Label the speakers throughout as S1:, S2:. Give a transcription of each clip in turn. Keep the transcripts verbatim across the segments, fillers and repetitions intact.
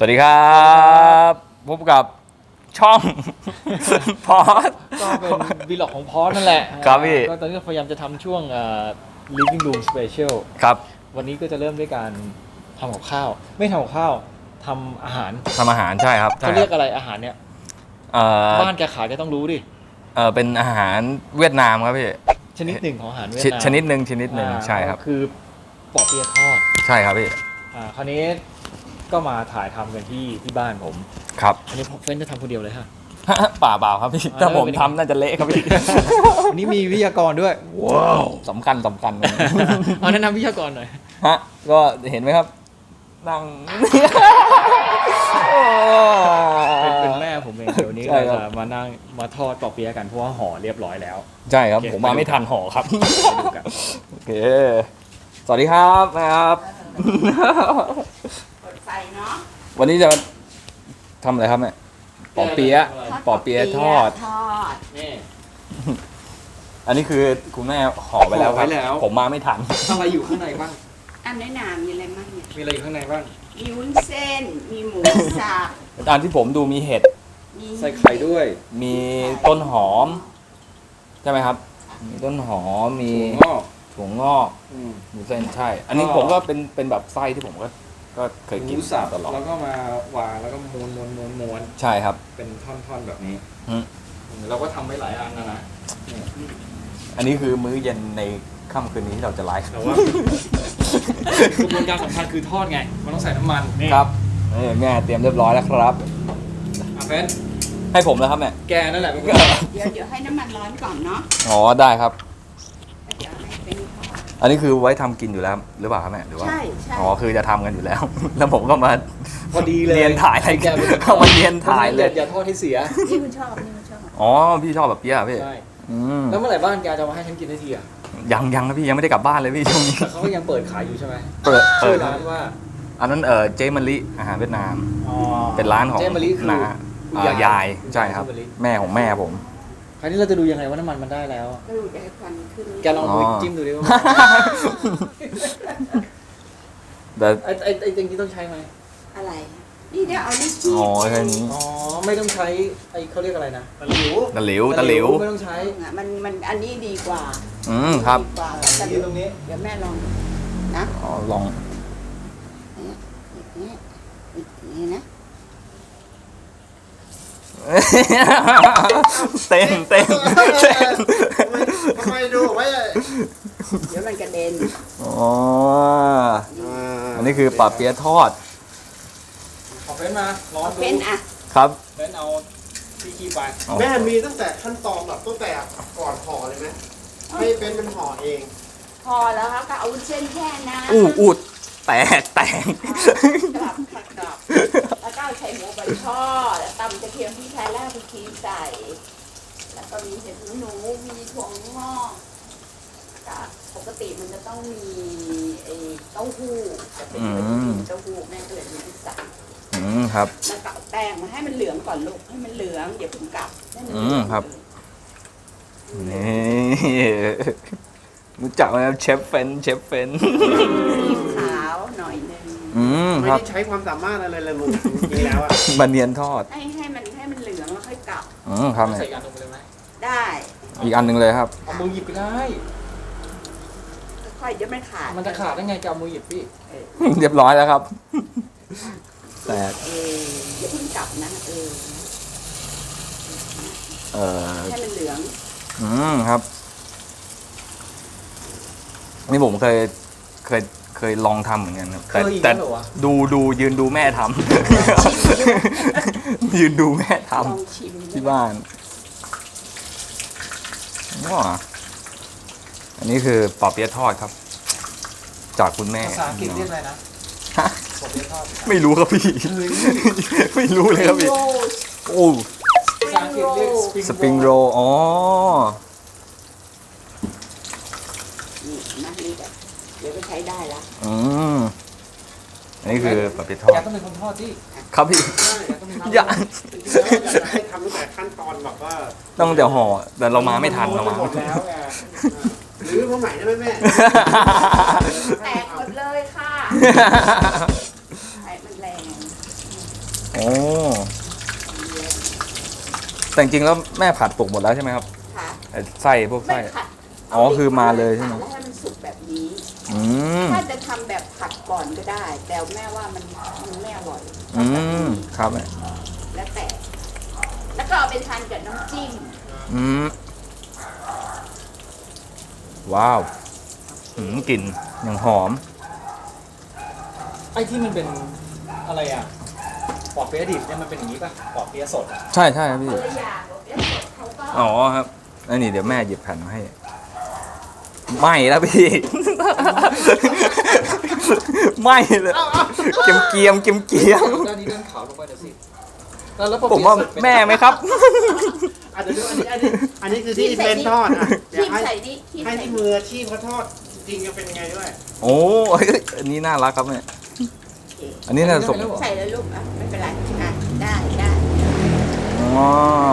S1: วัสดีครับพบกับช่องพอส
S2: ก็เป็นวีล็อกของพอสนั่นแหละ
S1: ครับพี่
S2: ก็ตอนนี้พยายามจะทำช่วง living room special
S1: ครับ
S2: วันนี้ก็จะเริ่มด้วยการทำกับข้าวไม่ทำกับข้าวทำอาหาร
S1: ทำอาหารใช่ครับ
S2: เขาเรียกอะไรอาหารเนี่ยบ้านแกขายแกต้องรู้ดิ
S1: เออเป็นอาหารเวียดนามครับพี่
S2: ชนิดหนึ่งของอาหารเวียดนาม
S1: ชนิดหนึ่งชนิดหนึ่งใช่ครับ
S2: คือปอเปี๊ยะทอด
S1: ใช่ครับพี่
S2: อ่าคราวนี้ก็มาถ่ายทำกันที่ที่บ้านผม
S1: ครับ
S2: อันนี้เฟ้นจะทำคนเดียวเลยฮะ
S1: ป่าเปล่าครับพี่ถ้าผมทำน่าจะเละครับพี่
S2: วันนี้มีวิทยากรด้วย
S1: ว้าวสำคัญสำคัญ
S2: เอาแนะนำวิทยากรหน่อย
S1: ฮะก็เห็นไหมครับนั่ง
S2: เป็นแม่ผมเองเดี๋ยวนี้เราจะมานั่งมาทอดปอเปี๊ยะกันเพราะว่าห่อเรียบร้อยแล้ว
S1: ใช่ครับผมมาไม่ทันห่อครับโอเคสวัสดีครับนะครับ
S3: ใส่เนาะ
S1: วันนี้จะทำอะไรครับแม่ปอเปี๊ยะปอเปี๊ยะทอด
S3: ทอด
S2: นี่
S1: อันนี้คือคุณแม่ห่อไปแล้วครับผมมาไม่ทัน
S2: อะไรอยู่ข้างในบ้าง
S3: อันนี้นามีอะไรบ้างเนี่ย
S2: มีอะไรอยู่ข้างในบ้าง
S3: มีวุ้นเส้นมีหมูสับ
S1: อันที่ผมดูมีเห็ด
S2: ใส่ไข่ด้วย
S1: มีต้นหอมใช่ไหมครับมีต้นหอมมีถั่วงอกหมูเส้นใช่อันนี้ผมก็เป็นเป็นแบบไส้ที่ผมก็ก็เคยกินตลอด
S2: แล้วก็มาวางแล้วก็ม้วนม้วนม้วนม้วน
S1: ใช่ครับ
S2: เป็นท่อนๆแบบนี้เราก็ทำไว้หลายอันนะนะ
S1: อันนี้คือมื้อเย็นในค่ำคืนนี้ที่เราจะไลฟ์
S2: แต่ว่ากระบวนการสำคัญคือทอดไงมันต้องใส่น้ำมัน
S1: ครับแม่เตรียมเรียบร้อยแล้วครับ
S2: อาเฟน
S1: ให้ผมแล้วครับแม่
S2: แกนั่นแหละ
S3: เดี๋ยวเดี๋ยวให้น้ำมันร้อนก่อนเนาะ
S1: อ๋อได้ครับ
S3: เดี๋ยวให้เป็น
S1: อันนี้คือไว้ทำกินอยู่แล้วหรือเปล่าครับแม่หรือว่า
S3: ใช่ใช่
S1: อ๋อคือจะทำกันอยู่แล้ว แล้วผมก็มา
S2: พอดีเลย
S1: เรียนถ่ายอะไรแกเข้ามาเรียนถ่ายเลย
S2: อย่าทอดให้เสีย
S3: นี่คุณชอบนี่คุณชอบ
S1: อ๋อพี่ชอบแบบเปี๊ยะพี่
S2: ใช่แล้วเมื่อไหร่บ้านแกจะมาให้ฉันกินได้ทีอ่ะ
S1: ยังยังนะพี่ยังไม่ได้กลับบ้านเลยพี่ช่วงนี้
S2: เขาก็ยังเปิดขายอยู่ใช่ไหม
S1: เปิดเปิด
S2: ร้านว่า
S1: อันนั้นเออเจมะลิอาหารเวียดนามเป็นร้านของ
S2: เจมะลิคือ
S1: น้ายายใช่ครับแม่ของแม่ผม
S2: คราวนี้เราจะดูยังไงว่าน้ำมันมันได้แล้ว
S3: ก็ดูได้ควันขึ้น
S2: แกลองดูจิ้มดูดิว่า
S1: แต่
S2: ไอ้ไอ้ไอ้จริงๆต้องใช้ไหม
S3: อะไรนี่เนี่ยเอาลิ้นจี้
S1: อ๋อแค่นี้
S2: อ๋อไม่ต้องใช้ไอ้เขาเรียกอะไรนะ
S1: ตะหลิวตะหลิวตะหลิว
S2: ไม่ต้องใช้
S3: มันมันอันนี้ดีกว่า
S1: อืมครับ
S3: ดีกว่า
S2: ตะหลิวตรงนี้
S3: เดี๋ยวแม่ลองนะ
S1: อ๋อลอง
S3: นี่นี่นะ
S1: เต้นเต้น
S4: ทำไมดูไว้
S3: เดี๋ยวมันกระเด็น
S1: อ๋ออันนี้คือปลาเปี๊ยะทอด
S2: เอาเฟ้นมาลองดู
S3: เฟ้นอ่ะ
S1: ครับ
S2: เฟ้นเอาที่ขี้ไป
S4: แม่มีตั้งแต่ขั้นตอนแบบตั้งแต่ก่อนห่อเลยไหมให้เป็นเป็นห่อเอง
S3: พอแล้วครับก็เอาเส้นแค่นะ
S1: อู้อูดแตกแตก
S3: กลับขัดกลับแล้วก็ใช้หมูบันทอดตำกระเทียมพริกไทยรากผักชีใส่แล้วก็มีเห็ดหูหนูมีถั่วงอกปกติมันจะต้องมีไอ้เต้าหู้จะเป็นเต้าหู้แม่ก็เลยมีพิซซ่า
S1: อืมครับ
S3: แล้วก็แป้งมาให้มันเหลืองก่อนลูกให้มันเหลืองเดี๋ยวผมกลับ
S1: อืมครับนี่รู้จักไหมครับเชฟเฟนเชฟเฟน
S3: ขาวหน่อยนึง
S1: อืม
S4: ไม่ได้ใช้ความสามารถอะไรเลยลูกจริงแล้วอ่ะ
S1: บะเนียนทอด
S3: ให้ให้มันให้มันเหลืองแล้วค่อยกลับ
S1: อืมครับ
S2: ใส่อันนึงเลยไหม
S3: ได้
S1: อีกอันหนึ่งเลยครับ
S2: เอามือหยิบก็ได้
S3: ค่อยเดี๋ยวมันขาด
S2: มันจะขาดได้ไงจะเอามือหยิบพี่
S1: เรียบร้อยแล้วครับแต่
S3: เอออย่าเพิ่งกลับนะเออ
S1: เออ
S3: ให้มันเหลือง
S1: อืมครับนี่ผมเคยเคยเคยลองทำเหมือนกันครับแต่แต่ดูดูยืนดูแม่ทำยืนดูแม่ทำที่บ้านว้าอันนี้คือปอเปี๊ยะทอดครับจากคุณแม่
S2: ภาษาอังกฤษเรียกอะไรนะปอเปี๊ยะทอด
S1: ไม่รู้ครับพี่ไม่รู้เลยครับพี่โอ้
S2: ภาษาอังกฤษเรียก
S1: สปริงโรลอ๋อ
S3: นี่นะนี่เดี๋ยวก็ใช้ได้ละ
S1: อืมอันนี้คือปอเปี๊ยะทอด
S2: แกต้องเป็นคนทอดที่
S1: ครับพี่
S4: อย่าให้ทำตั้งแต่ขั้นตอนแบบว่า
S1: ต้องเดี๋ยวห่อแต่เรามาไม่ทันเรามา
S4: หมดแล้วไงหรือเมื่อไหร่ได้ไหมแม่
S3: แตกหมดเลยค่ะไอ้มันแรง
S1: โอ้แต่จริงๆแล้วแม่ผัดสุกหมดแล้วใช่ไหมครับ
S3: ค่ะ
S1: ไอ้ไส้พวก
S3: ไม่
S1: ไส้
S3: ผัด
S1: อ๋อคือมาเลยใช่ไหม
S3: แล้วให้มันสุกแบบนี้
S1: อืม
S3: ถ้าจะทำแบบผัดก่อนก็ได้ แต่แม่ว่ามันมันไม่อร่อย
S1: อืมครับแม่
S3: แล้วแต่ แล้วก็เอาไปทานกับน้ำจิ้ม
S1: อืมว้าวอืมกลิ่นอย่างหอม
S2: ไอ้ที่มันเป็นอะไรอ่ะปอกเปี๊ยะดิบเนี่ยมันเป็นอย่างนี้ป่ะปอกเปี๊ยะสดอะ
S1: ใช่ใช่ครับพี่
S3: ตัวอย่างบอกเนี่ยเขาก็
S1: อ๋อครับอันนี้เดี๋ยวแม่หยิบแผ่นมาให้ ไม่แล้วพี่ ไม่เลยเกียมเกียมเกียมเกียม
S2: ด้านนี้ด้านขาวลงไปเดี๋ยวสิแล้วแล้วปอก
S1: ผม
S2: เปี๊ยะ
S1: ว่า
S2: สดเป็น
S1: แม่ไหมครับ
S4: อ่ะเดี๋ยวดูอันนี้อันนี้อันนี้คือที่เป็นทอดอ่ะเดี๋ย
S3: คี
S4: ว
S3: บ
S4: ให้
S3: ใส่นี่คีบ
S4: ให้
S3: ใส่
S4: ที่
S3: นี่
S4: มืออาชีพเขาทอดจริงๆจะเป็นยังไงด้วย
S1: โอ้ยอันนี้น่ารักครับแม่อันนี้น่าจะสม
S3: ใส่แล้วลูกอ่ะไม่เป็นไรอ่ะได้ได้
S1: อ๋อ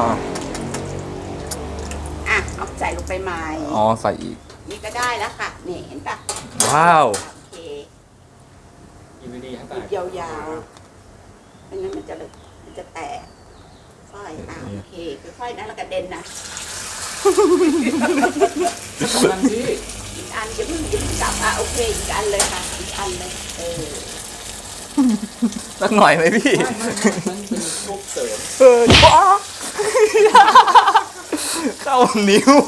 S3: อ่ะเอาใส่ลงไปใหม่
S1: อ๋อใส่อีก
S3: นี่ก็ได้แล้วค่ะนี่เห็นปะ
S1: ว้าว
S3: โอเค
S2: อยู่ดีๆให้
S3: ห
S2: ตา
S3: ยิ
S2: ย
S3: บยาวๆไม่งั้นมันจะเลยมันจะแตกค่อยอ่ะโอเคค่อยๆนะแล้วกระเด็นนะ
S2: ทำมันสิ
S3: อีกอันจะเพิ่งหยิบกลับอ่ะโอเคอีกอันเลยค่ะอีกอันเลยเออ
S1: สักหน่อยไหมพี่
S2: ไม่ไม่ไม่มันเป็นลูกเสริม
S1: เออว้าเข้านิ้ว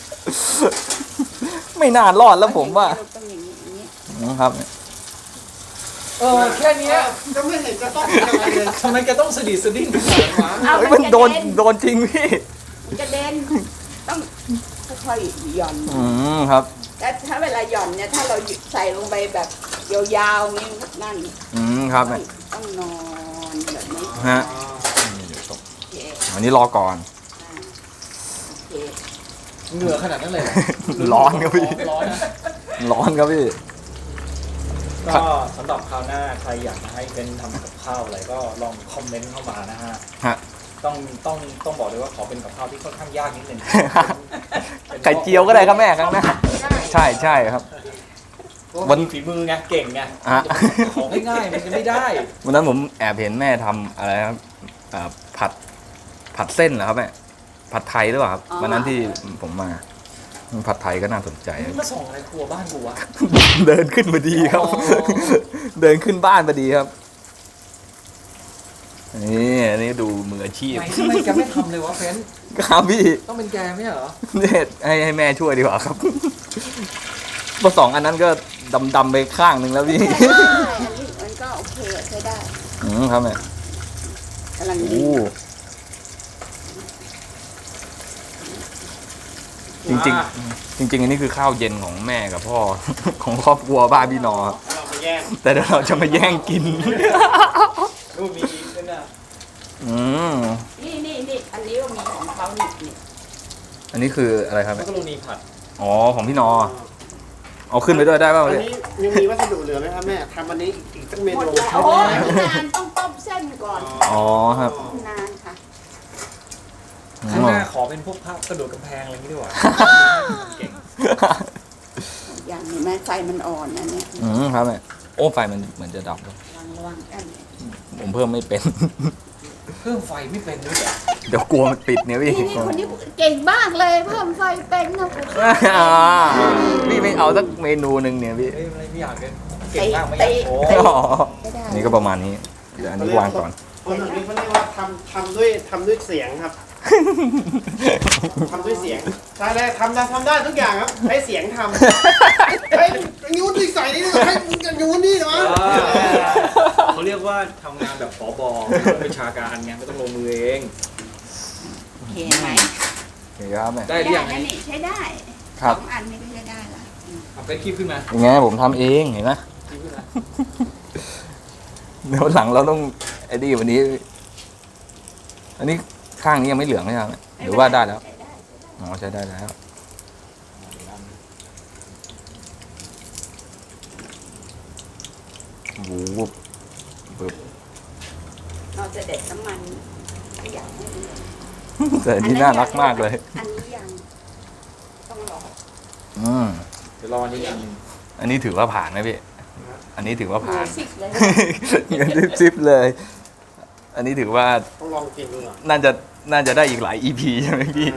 S1: ไม่น่ารอดแล้วผมว่า
S3: ต้องอย่างนี้อย่างนี้
S1: นะครับ
S2: เออแค่เนี้ย
S4: ก็ไม่เห็นจะต้องเป็นอะไรเลย
S2: ทำไมแกต้องสะดิดสะดิ้งขนาดนั้นวะ
S3: เอา
S1: เฮ้ย
S3: มั
S1: มัน น
S3: โด
S1: โด
S3: น
S1: นโดนจริงพี่
S3: กระเด็นต้องค่อยๆหย่อน
S1: อืมครับ
S3: แต่ถ้าเวลาหย่อนเนี่ยถ้าเราใส่ลงไปแบบยาวๆนี่นั่น
S1: อืมครับ
S3: ต้
S1: แม่
S3: องต้องนอนแบบนี้
S1: ฮะ
S3: โอเค
S1: วันนี้รอก่อน
S3: อ่าโอเค
S2: เหงื่อขนาดนั้นเลยเหรอ
S1: ร้อนครับพี่
S2: ไม่ร้อนนะ
S1: ร้อนครับพี่
S2: ก็สำหรับคราวหน้าใครอยากจะให้เป็นทำกับข้าวอะไรก็ลองคอมเมนต์เข้ามานะฮะ
S1: ฮะ
S2: ต้องต้องต้องบอกเลยว่าขอเป็นกับข้าวที่ค่อนข้างยากนิดนึง
S1: ไข่เจียวก็ได้ครับแม่ครั้งหน้าใช่ใช่ครับ
S2: วั
S1: วัน น
S2: ฝีมือไงเก่งไง
S1: ฮะ
S2: ของง่ายๆมันจะไม่ได้
S1: วันนั้นผมแอบเห็นแม่ทำอะไรครับอ่าผัดผัดเส้นเหรอครับแม่ผัดไทยหรือเปล่าครับวันนั้นที่ผมมาผัดไทยก็น่าสนใจ
S2: มึงมาส่งอะไรครัวบ้านกูวะ
S1: เดินขึ้นพอดีครับ
S2: อ๋อ
S1: เดินขึ้นบ้านพอดีครับนี่อันนี้ดูมืออาชีพ
S2: ไหนทำไมแกไม่ทำเลยวะเฟ้น
S1: ครับพี่
S2: ต้องเป็นแกไม่ใช่เหรอ
S1: เนี่ยให้ให้แม่ช่วยดีกว่าครับเพราะสองอันนั้นก็ดำดำๆไปข้างหนึ่งแล้วพี่
S3: ใช่อันนี้มันก็โอเคใช้ได้
S1: อืมครับแม่
S3: กำลังดี
S1: โอ้จริงๆ จริง ๆ อันนี้คือข้าวเย็นของแม่กับพ่อ ของครอบครัวบ้านพี่นอครับ
S4: เราไปแย่ง
S1: แต่เดี๋ยวเราจะมาแย่งกิน
S2: รูปมีขึ้นอ่ะ
S1: อืม
S3: นี่นี่นี่อันนี้ก็มีของเขานี่นี่
S1: อันนี้คืออะไรครับ
S2: มั
S1: แม่
S2: กกะโรนีผัด
S1: อ๋อของพี่นอ เอาขึ้นไปด้วยได้ป่าว
S4: อัน
S1: เนี่ย
S4: นี้ยังมีวัสดุเหลือไหมครับแม่ทำอันนี้อีกสักเม
S3: หมด
S4: นู
S3: แล้วโอ้ยนานต้องต้มเส้นก่อน
S1: อ๋อครับ
S3: นานค่ะ
S2: ข้างหน้าขอเป็นพวกภาพกระโดดกำแพงอะไรอย่างนี้ดีกว่าเก่ง
S3: อย่างนี้แม่ไฟมันอ่อนนะเนี่ย
S1: อืมครับแม่โอ้ไฟมันเหมือนจะดับแล้ว
S3: ระวังระวังกัน
S1: ผมเพิ่มไม่เป็น
S2: เครื่องไฟไม่เป็นด้วยเหรอ
S1: เดี๋ยวกลัวมันติดเนี่ยพี่
S3: นี่นี่คนนี้เก่งมากเลยเพิ่มไฟเป็นนะคุณ
S1: อ่าพี่ไม่เอาสักเมนูหนึ่งเนี่ยพี่
S2: เอ้ยอะไรไม่อยากเลยเก่งมากไม่อยากโชว์
S1: อ๋อ
S3: ไม่ได้
S1: นี่ก็ประมาณนี้ เดี๋ยวอันนี้วางก่อน
S4: คนแบบนี้เขาเรียกว่าทำทำด้วยทำด้วยเสียงครับทำด้วยเสียงใช่ได้ทำได้ทำได้ทุกอย่างครับใช้เสียงทำเฮ้ยนิ้วดิใส่นี่ให้นิ้วนี่เหรอ
S2: เขาเรียกว่าทำงานแบบผบเป็นชาการไงไม่ต้องลงมือเอง
S3: โอเคไหม
S1: โอเคครับแม่
S2: ได้หรือยัง
S3: นะนี่ใช้ได้
S1: ครับ
S3: สองอันนี้ก็ใช้ได้ละอืม
S2: เอาไปคลิปขึ้นมา
S1: ยังไงผมทำเองเห็นไหม
S2: คลิปขึ้นมา
S1: เดี๋ยวหลังเราต้องไอ้นี่วันนี้ อันนี้ข้างนี้ยังไม่เหลืองใช่ไหมหรือว่าได้แล้ว
S3: ใช้ได้ใช้ได้
S1: อ๋อใช้ได้แล้ววูบปึ๊บ
S3: เราจะเด็ดน้ำมันอยากให้ดู
S1: แต่อันนี่น่ารักมากเลย
S3: อันนี้ยังต้องรอ
S1: อืม
S2: เดี๋ยวรออันนี้อันหนึง
S1: อันนี้ถือว่าผ่านไหมพี่ อันนี้ถือว่าผ่าน
S3: สิบเลย
S1: เงินซิบๆเลย ออันนี้ถือว่า
S4: ต้องลองกินดูหน่อย
S1: น่าจะน่าจะได้อีกหลาย อี พี ใช่ไหมพี่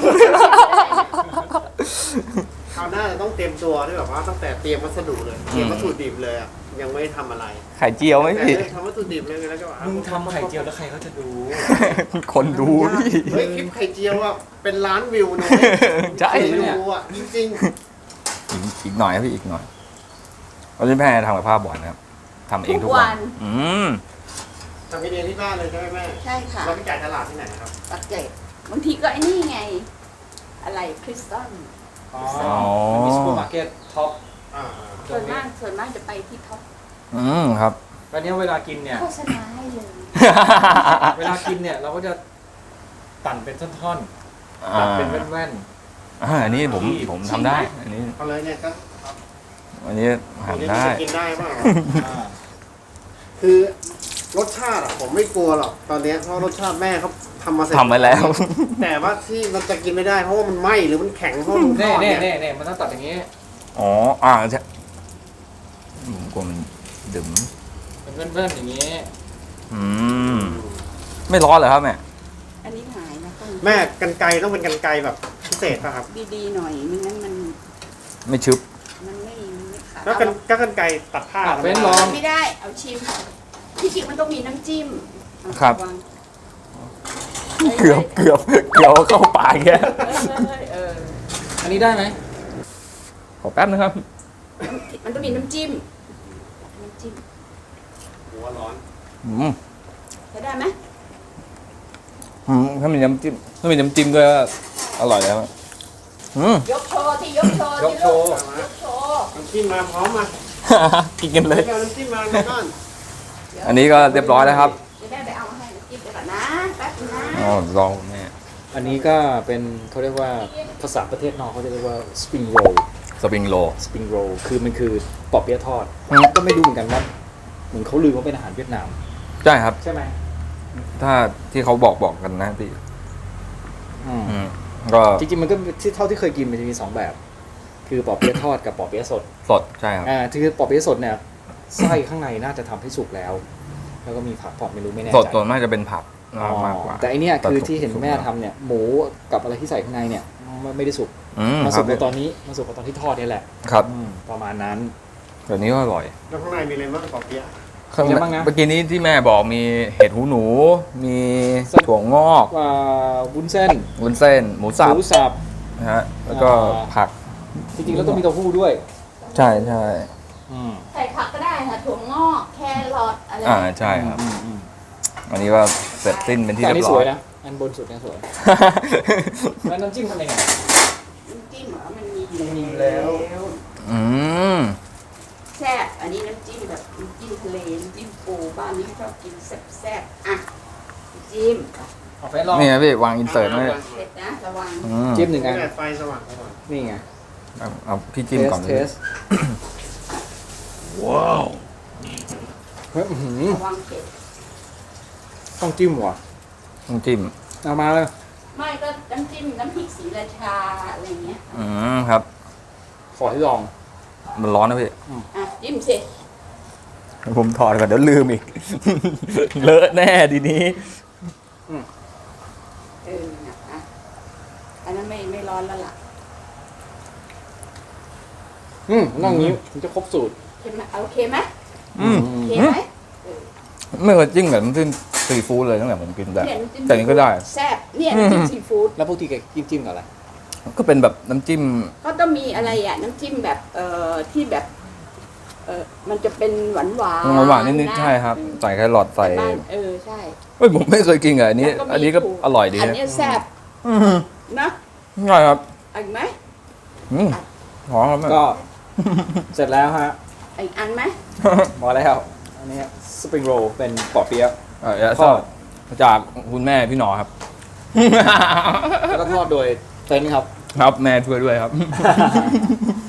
S4: คราวหน้าจะต้องเตรียมตัวด้วยแบบว่าตั้งแต่เตรียมวัสดุเลยเตรียมวัตถุดิบเลยอ่ะยังไม่ทำอะไร
S1: ไข่เจียวไหม
S4: แต่
S1: พี่
S4: ทำวัตถุดิบเลยแล้วก็แบบ
S2: มึงทำไข่เจียวแล้วใครเขาจะดู
S1: คนดูพี่
S4: เฮ้ยคลิปไข่เจียวอ่ะเป็นล้านวิวนะ
S1: ใช่
S4: คนดูอ่ะจริง
S1: อีกอีกหน่อยครับพี่อีกหน่อยวันนี้แม่ทำกับข้าวบ่อยนะครับทำเองทุกวัน อืม
S4: ๆทำให้เรียนที่บ้านเลยใช่ไหมแม่
S3: ใช่ค่ะ
S4: เราไปจ่ายตลาดที่ไหนครับ
S3: ปักเกร็ดบางทีก็ไอ้นี่ไง อะไรคริสตัล
S2: อ๋อ
S1: อ๋อ
S2: มันมีซูเปอร์มาร์เก็ตท็อป
S4: อ่า
S3: ส่วนมากส่วนมากจะไปที่ท็อป
S1: อืมครับ
S2: แล้วเนี้ยเวลากินเนี่ย
S3: โฆษณาให้เลย
S2: เวลากินเนี่ยเราก็จะตัดเป็นท่อนๆ
S1: อ่า
S2: ตัดเป็นแว่น
S1: อ่าอันนี้ผมผมทำได้ อันนี้
S4: เอาเลยเนี่ยก็
S1: อันนี้หั่นได้
S4: จะกินได้เปล่า
S2: ๆอ่า
S4: คือรสชาติอ่ะผมไม่กลัวหรอกตอนเนี้ยเพราะรสชาติแม่เขาทำมาเสร็จ
S1: ทำไปแล้ว
S4: แต่ว่าที่มันจะกินไม่ได้เพราะว่ามันไหม้หรือมันแข็งเพราะมันท
S2: เน่
S4: อด
S2: เน่
S4: เนี่ย
S2: เน่เน่มันต้องตัดอย่างนี้
S1: อ๋อ อ่าใช่ผมกลัวมันดึ๋ม
S2: เป็นแว่นๆอย่างนี้
S1: อืม ไม่ร้อนเหรอครับแม่
S3: อันนี้หายนะต้อง
S4: แม่กันไกรต้องเป็นกันไกรแบบพิเศษป่ะครับ
S3: ดีๆหน่อยไม่งั้นมัน
S1: ไม่ชึบ
S3: มันไม่มันไม่ขาด
S4: แล้วกันก็กันไกรตัดผ้า
S2: ตัดเว้น
S4: ธรรมดา
S2: ลอง
S3: ไม่ได้เอาชิมที่จริงมันต้องมีน้ำจิ้มเอา
S1: ครับ
S3: วาง
S1: เกือบเกือบเกือบเข้าปากแก
S3: เออเออ
S2: อันนี้ได้ไหม
S1: ขอแป๊บนะครับ
S3: มันต้องมีน้ำจิ้มน้ำจิ้ม
S4: หัวร้อน
S1: อืม
S3: ใช้ได้ไหม
S1: อืมถ้ามีน้ำจิ้มถ้ามีน้ำจิ้มด้วยก็อร่อยแล้วอะอืม
S3: ยกโชว์ที่ยกโชว์
S2: ยก
S3: ที่
S2: โชว์
S3: ยกโชว์
S4: น้ำจิ้มมาพร้อมมา
S1: กินกันเลย
S4: เดี๋ยวน้ำจิ้มมาในบ้าน
S1: อันนี้ก็เรียบร้อยแล้วครับ
S3: จะได้ไปเอามาให้น้ำจิ้มไปก่อนนะแป๊บนึงนะ
S1: อ๋อลองแม่
S2: อันนี้ก็เป็นเขาเรียกว่าภาษาประเทศนอกเขาจะเรียกว่า spring roll
S1: สปริงโร
S2: spring roll คือมันคือปอเปี๊ยะทอด
S1: อืม
S2: ก็ไม่รู้เหมือนกันว่าเหมือนเขาลือว่าเป็นอาหารเวียดนาม
S1: ใช่ครับ
S2: ใช่ไหม
S1: ถ้าที่เขาบอกบอกกันนะพี่
S2: อืม
S1: อืมก็
S2: จริงๆมันก็ที่เท่าที่เคยกินมันจะมีสองแบบ คือปอเปี๊ยะทอดกับปอเปี๊ยะสด
S1: สดใช่ครับ
S2: อ่าคือปอเปี๊ยะสดเนี่ยไส้ข้างในน่าจะทำให้สุกแล้ว แล้วก็มีผักพอดไม่รู้ไม่แน่ใจ
S1: สดส่วนมากจะเป็นผัก
S2: อ๋อ
S1: มากกว่า
S2: แต่อันเนี้ยคือ
S1: สุก
S2: ที่เห็น
S1: สุก
S2: แม่
S1: แล้ว
S2: ทำเนี่ยหมูกับอะไรที่ใส่ข้างในเนี่ยไม่ไม่ได้สุก
S1: อืม
S2: มา
S1: ค
S2: สุ
S1: รับ
S2: กในตอนนี้มาสุกในตอนที่ทอดเนี่ยแหละ
S1: ครับ
S2: อืมประมาณนั้น
S1: เดี๋ยวนี้ก็อร่อย
S4: แล้วข้างในมีอะไรบ้างปอเปี๊ยะ
S1: ข้าง
S2: มีอะไรบ้างนะ
S1: เมื่อกี้นี้ที่แม่บอกมีเห็ดหูหนู มีถั่วงอก
S2: ว่าวุ้นเส้น
S1: วุ้นเส้น หมูสับ
S2: หมูสับ
S1: นะฮะแล้วก็
S2: อ่า
S1: ผัก
S2: จริงๆแล้วต้องมีเต้าหู้ด้วย
S1: ใช่ใช่
S2: อืม
S3: ใส่ผักก็ได้ค่ะถั่วงอกแครอทอะไร
S1: อ่าใช่ครับ
S2: อืมอืม
S1: อันนี้ก็เสร็จสิ้นเป็นที่
S2: แต่อัน
S1: เรีย
S2: นี้
S1: บ
S2: ส
S1: ร้อ
S2: วย ยนะอันบนสุดเนี่ยสวยแล้วน้ำจิ้มทำยังไง
S3: น้ำจิ้มเหรอมันมี
S2: มันมีแล้ว
S1: อืม
S3: แซ่บอันนี้น้ำจิ้มแบบน้ำจิ้มทะเลน้ำจิ้มปูบ้านนี้ชอบกินแซ่บๆอ่ะน้ำจิ้ม
S2: เอาไปลอง
S1: นี่นะพี่วางอินเสิร์ตไว้
S3: เผ็ดนะระวัง
S1: อืม
S2: จิ้มหนึ่งอัน
S4: แม่ไฟสว่างสว่าง
S2: นี่ไง
S1: เอาเอาพี่จิ้มก่อน
S2: เท
S1: เลย
S2: สว้าวเฮ้ยอื้อหือ
S3: ระวังเผ็ด
S2: ต้องจิ้มว่ะ
S1: ต้องจิ้ม
S2: เอามาเลย
S3: ไม่ก็น้ำจิ้มน้ำพริกศรีราชาอะไรเงี้ย
S1: อืมครับ
S2: ขอให้ลอง
S1: มันร้อนนะพี่
S3: อ่ะจิ้มสิ
S1: ผมถอดก่อนเดี๋ยวลืมอีก เลอะแน่ทีนี้
S3: เออนะอ่ะอันนั้นไม่ไม่ร้อนแล้วล่ะ
S2: อืมนั่งอย่างนี้ถึงจะครบสูตร
S3: เห็นไหมโอเคไหม
S1: อืม
S3: โอเคไหมเออ
S1: ไม่เคยจิ้มกับน้ำจิ้มซีฟู้ดเลยตั้งแต่ผมกินแต่
S3: เนี่ยน้ำจิ้ม
S1: แต่นี้ก็ได้
S3: แซ่บเนี่ยน้ำจิ้มซีฟู้ด
S2: แล้วปกติแกจิ้มจิ้มกับอะไร
S1: ก็เป็นแบบน้ำจิ้ม
S3: ก็ต้องมีอะไรอ่ะน้ำจิ้มแบบเอ่อที่แบบเออมันจะเป็นหวานหวาน
S1: หวานๆนิดๆใช่ครับ ใส่แครอทใส่
S3: บ้านเออใช่
S1: เฮ้ยผมไม่เคยกินอ่ะอันนี้
S3: แล้วมี
S1: อันนี้ก็
S3: ถั่ว
S1: อร่อยดี
S3: อัน
S1: นะ
S3: เนี้ยแซ่บ
S1: อืม
S3: นะ
S1: ใช่ครับ
S3: เอาอีกไหม
S1: อืมหอมครับแม่
S2: ก็ เสร็จแล้วฮะ
S3: เอาอีกอันไหม
S2: พอแล้วอันนี้สปริงโรลเป็นปอเปี๊ยะ
S1: เออแล้วก็จากคุณแม่พี่หนอครับ
S2: แล้วก็ทอดโดยเต็นท์ครับ
S1: ครับแม่ช่วยด้วยครับ